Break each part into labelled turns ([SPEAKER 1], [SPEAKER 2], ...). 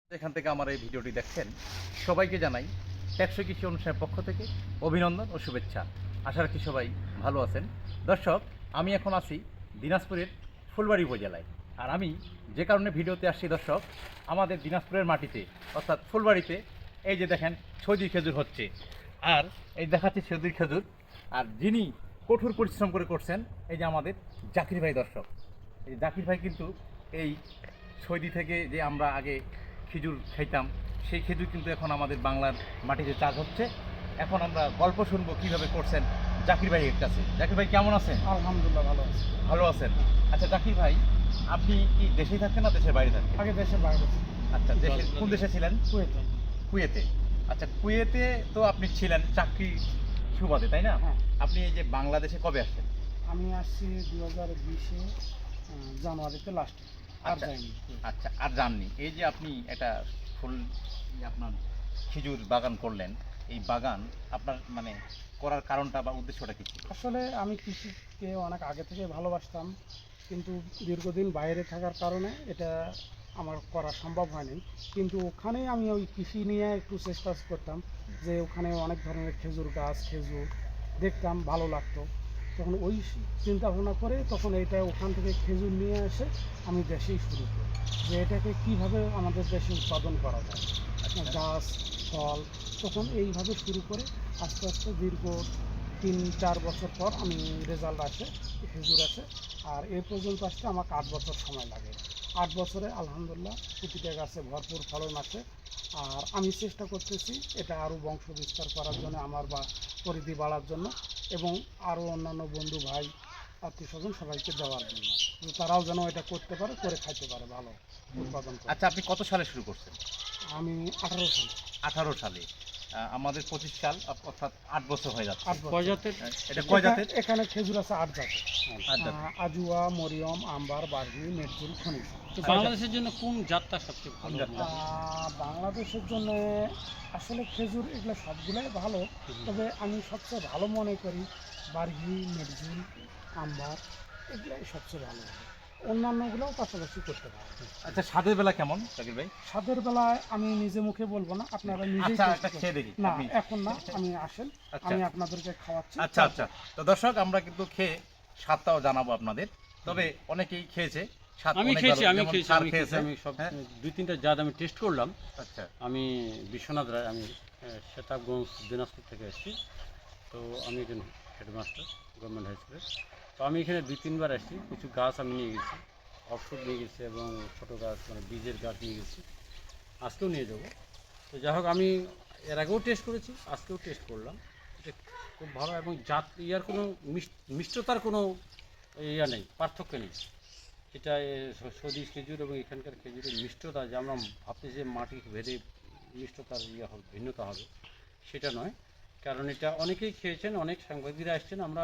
[SPEAKER 1] যেখান থেকে আমার এই ভিডিওটি দেখছেন সবাইকে জানাই টেকসই কৃষি অনুষ্ঠানের পক্ষ থেকে অভিনন্দন ও শুভেচ্ছা। আশা রাখি সবাই ভালো আছেন। দর্শক, আমি এখন আছি দিনাজপুরের ফুলবাড়ি উপজেলায়। আর আমি যে কারণে ভিডিওতে আসছি দর্শক, আমাদের দিনাজপুরের মাটিতে অর্থাৎ ফুলবাড়িতে এই যে দেখেন সৌদি খেজুর হচ্ছে। আর এই দেখাচ্ছি সৌদির খেজুর। আর যিনি কঠোর পরিশ্রম করে করছেন এই যে আমাদের জাকির ভাই। দর্শক, এই জাকির ভাই কিন্তু এই সৌদি থেকে যে আমরা আগে খেজুর খাইতাম সেই খেজুর কিন্তু এখন আমাদের বাংলার মাটিতে চাষ হচ্ছে। এখন আমরা গল্প শুনবো কীভাবে করছেন জাকির ভাইয়ের কাছে। জাকির ভাই কেমন আছেন?
[SPEAKER 2] আলহামদুলিল্লাহ ভালো আছি।
[SPEAKER 1] ভালো আছেন? আচ্ছা জাকির ভাই, আপনি কি দেশেই থাকেন না দেশের বাইরে থাকেন?
[SPEAKER 2] আগে দেশের বাইরে ছিলাম।
[SPEAKER 1] আচ্ছা, দেশের কোন দেশে ছিলেন?
[SPEAKER 2] কুয়েতে।
[SPEAKER 1] কুয়েতে। আচ্ছা, কুয়েতে তো আপনি ছিলেন চাকরি সুবাদে, তাই না?
[SPEAKER 2] হ্যাঁ।
[SPEAKER 1] আপনি এই যে বাংলাদেশে কবে আসছেন?
[SPEAKER 2] আমি আসছি 2020-এ জানুয়ারিতে লাস্টে। আর
[SPEAKER 1] আচ্ছা
[SPEAKER 2] যাইনি।
[SPEAKER 1] আচ্ছা, আর জাননি। এই যে আপনি একটা ফুল আপনার খেজুর বাগান করলেন, এই বাগান আপনার মানে করার কারণটা বা উদ্দেশ্যটা কি ছিল?
[SPEAKER 2] আসলে আমি কৃষিকে অনেক আগে থেকে ভালোবাসতাম, কিন্তু দীর্ঘদিন বাইরে থাকার কারণে এটা আমার করা সম্ভব হয়নি। কিন্তু ওখানে আমি ওই কৃষি নিয়ে একটু চেষ্টা করতাম, যে ওখানে অনেক ধরনের খেজুর গাছ, খেজুর দেখতাম, ভালো লাগতো। তখন ওই চিন্তা ভাবনা করে তখন এটা ওখান থেকে খেজুর নিয়ে এসে আমি দেশেই শুরু করি, যে এটাকে কীভাবে আমাদের দেশে উৎপাদন করা যায়, গাছ, ফল। তখন এইভাবে শুরু করে আস্তে আস্তে দীর্ঘ 3-4 বছর পর আমি রেজাল্ট আসে, খেজুর আসে। আর এ পর্যন্ত আসতে আমাকে 8 বছর সময় লাগে। 8 বছরে আলহামদুলিল্লাহ প্রতিটা গাছে ভরপুর ফলন আসে। আর আমি চেষ্টা করতেছি এটা আরও বংশ বিস্তার করার জন্য, আমার বা পরিধি বাড়ার জন্য, এবং আরও অন্যান্য বন্ধু ভাই আত্মীয় স্বজন সবাইকে দেওয়ার জন্য, যে তারাও যেন এটা করতে পারে, করে খাইতে পারে, ভালো উৎপাদন করে।
[SPEAKER 1] আচ্ছা, আপনি কত সালে শুরু করছেন?
[SPEAKER 2] আমি 18 সালে।
[SPEAKER 1] 18 সালে। আমাদের 25 সাল, অর্থাৎ 8 বছর হয়ে যাচ্ছে।
[SPEAKER 2] 8 বছর।
[SPEAKER 1] এটা কয় জাতের?
[SPEAKER 2] এখানে খেজুর আছে 8 জাতের।
[SPEAKER 1] 8 জাতের।
[SPEAKER 2] আজুয়া, মরিয়ম, আম্বার, বার্হি, মেটজুল, খনিজ।
[SPEAKER 3] তো বাংলাদেশের জন্য কোন জাতটা সবচেয়ে ভালো?
[SPEAKER 2] বাংলাদেশের জন্য আসলে খেজুর এগুলো সবগুলোই ভালো, তবে আমি সবচেয়ে ভালো মনে করি বার্হি, মেটজুল, আম্বার, এগুলাই সবচেয়ে ভালো হবে। অন্যান্যগুলোও পাশাপাশি করতে পারে।
[SPEAKER 1] আচ্ছা, স্বাদের বেলা কেমন জাকির ভাই?
[SPEAKER 2] স্বাদের বেলায় আমি নিজে মুখে বলবো না, আপনারা নিজেই
[SPEAKER 1] আচ্ছা,
[SPEAKER 2] taste
[SPEAKER 1] একটা
[SPEAKER 2] করুন।
[SPEAKER 1] খেয়ে দেখি।
[SPEAKER 2] না,
[SPEAKER 1] আপনি-
[SPEAKER 2] এখন না, আমি আসেন,
[SPEAKER 1] আচ্ছা।
[SPEAKER 2] আমি আপনাদেরকে খাওয়াচ্ছি।
[SPEAKER 1] আচ্ছা আচ্ছা, তো দর্শক, আমরা কিন্তু খেয়ে স্বাদটাও জানাবো আপনাদের। তবে অনেকেই খেয়েছে, স্বাদ
[SPEAKER 3] আমি
[SPEAKER 1] অনেক
[SPEAKER 3] খেয়েছি,
[SPEAKER 1] ভালো।
[SPEAKER 3] আমি
[SPEAKER 1] যেমন
[SPEAKER 3] খেয়েছি,
[SPEAKER 1] স্যার
[SPEAKER 3] আমি খেয়েছি,
[SPEAKER 1] খেয়েছে।
[SPEAKER 3] আমি সব
[SPEAKER 1] হ্যাঁ?
[SPEAKER 3] 2-3টা জাত আমি টেস্ট করলাম।
[SPEAKER 1] আচ্ছা
[SPEAKER 3] আমি বিশ্বনাথ রায়, আমি সেতাবগঞ্জ দিনাজপুর থেকে এসেছি। তো আমি একজন হেডমাস্টার গভর্নমেন্ট হাই স্কুলে। তো আমি এখানে 2-3বার এসেছি। কিছু গাছ আমি নিয়ে গেছি, অফশুট নিয়ে গেছি, এবং ছোটো গাছ মানে বীজের গাছ নিয়ে গেছি, আজকেও নিয়ে যাব। তো যাই হোক, আমি এর আগেও টেস্ট করেছি, আজকেও টেস্ট করলাম। এটা খুব ভালো, এবং জাত ইয়ার কোনো মিষ্টতার কোনো ইয়া নেই, পার্থক্য নেই। এটা সৌদি খেজুর এবং এখানকার খেজুরের মিষ্টতা, যে আমরা ভাবছি যে মাটি ভেদে মিষ্টতার ইয়ে হবে, ভিন্নতা হবে, সেটা নয়। কারণ এটা অনেকেই খেয়েছেন, অনেক সাংবাদিকরা আসছেন, আমরা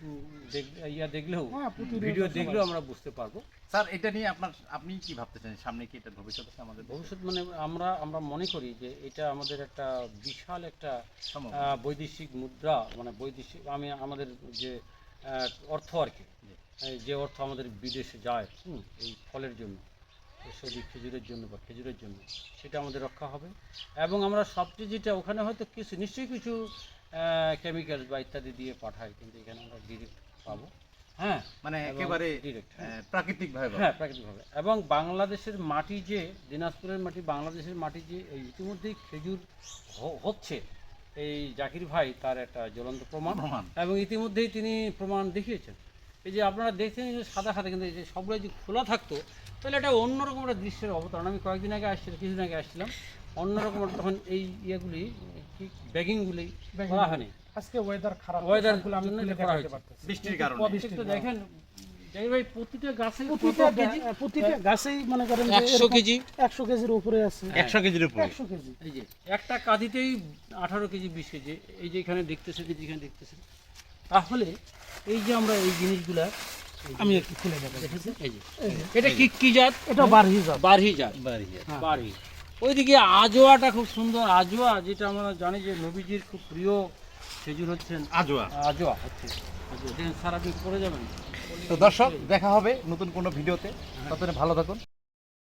[SPEAKER 3] দেখলেও,
[SPEAKER 2] হ্যাঁ, প্রতিনিয়ত
[SPEAKER 3] ভিডিও
[SPEAKER 2] সবাই।
[SPEAKER 3] দেখলেও আমরা বুঝতে পারবো।
[SPEAKER 1] স্যার, এটা নিয়ে আপনি কি ভাবতেছেন, সামনে কি এটা ভবিষ্যৎ আছে আমাদের
[SPEAKER 3] ভবিষ্যৎ মানে আমরা মনে করি যে এটা আমাদের একটা বিশাল একটা
[SPEAKER 1] সম্ভাবনা?
[SPEAKER 3] বৈদেশিক মুদ্রা, মানে বৈদেশিক আমাদের যে অর্থ আর কি, এই যে অর্থ আমাদের বিদেশে যায় এই ফলের জন্য, এই সৌদি খেজুরের জন্য বা খেজুরের জন্য, সেটা আমাদের রক্ষা হবে। এবং আমরা সবচেয়ে যেটা ওখানে হয়তো কিছু নিশ্চয়ই কিছু কেমিক্যাল বা ইত্যাদি দিয়ে পাঠায়, কিন্তু এখানে আমরা ডিরেক্ট পাবো। হ্যাঁ,
[SPEAKER 1] মানে
[SPEAKER 3] এবং
[SPEAKER 1] একেবারে
[SPEAKER 3] ডিরেক্ট,
[SPEAKER 1] প্রাকৃতিকভাবে পাবো।
[SPEAKER 3] হ্যাঁ, প্রাকৃতিকভাবে। এবং বাংলাদেশের মাটি, যে দিনাজপুরের মাটি, বাংলাদেশের মাটি যে ইতিমধ্যেই খেজুর হচ্ছে, এই জাকির ভাই তার একটা জ্বলন্ত প্রমাণ। এবং ইতিমধ্যেই তিনি প্রমাণ দেখিয়েছেন। এই যে আপনারা দেখছেন যে সাদা সাদা, কিন্তু এই যে সবগুলো যদি খোলা থাকতো তাহলে একটা অন্যরকম একটা দৃশ্যের অবতারণ। আমি কয়েকদিন আগে আসছিলাম, কিছুদিন আগে আসছিলাম, অন্যরকম তখন এই ইয়েগুলি কি ব্যাগিংগুলি করা হয়নি।
[SPEAKER 2] আজকে ওয়েদার খারাপ,
[SPEAKER 3] ওয়েদার
[SPEAKER 2] সবগুলো আমি
[SPEAKER 3] জন্য
[SPEAKER 2] খুলে
[SPEAKER 3] এটা করা
[SPEAKER 2] দেখাতে
[SPEAKER 3] হয়েছে।
[SPEAKER 2] পারতেছি।
[SPEAKER 1] বৃষ্টির কারণে।
[SPEAKER 3] প্রত্যেকটা দেখেন জাকির ভাই, প্রতিটা গাছে
[SPEAKER 2] প্রতিটা গাছেই মনে করেন যে
[SPEAKER 3] 100 কেজি,
[SPEAKER 2] 100 কেজির উপরে আছে।
[SPEAKER 1] 100 কেজির উপরে।
[SPEAKER 2] 100 কেজি।
[SPEAKER 3] এই যে একটা কাঁদিতেই 18 কেজি 20 কেজি। এই যে এখানে দেখতেছেন, যেখানে দেখতেছেন, তাহলে এই যে আমরা এই জিনিসগুলা
[SPEAKER 2] আমি একটু খুলে দেখাই।
[SPEAKER 3] দেখেছেন, এই যে এটা কি জাত?
[SPEAKER 2] এটা বারহি জাত।
[SPEAKER 3] বারহি জাত।
[SPEAKER 2] হ্যাঁ।
[SPEAKER 3] বারহি। ওইদিকে আজোয়াটা খুব সুন্দর, আজোয়া, যেটা আমরা জানি যে নবীজির খুব প্রিয় খেজুর হচ্ছেন
[SPEAKER 1] আজোয়া।
[SPEAKER 3] আজোয়া হচ্ছে। সারা দিন পরে যাবেন।
[SPEAKER 1] তো দর্শক, দেখা হবে নতুন কোনো ভিডিওতে। ততদিনে ভালো থাকুন।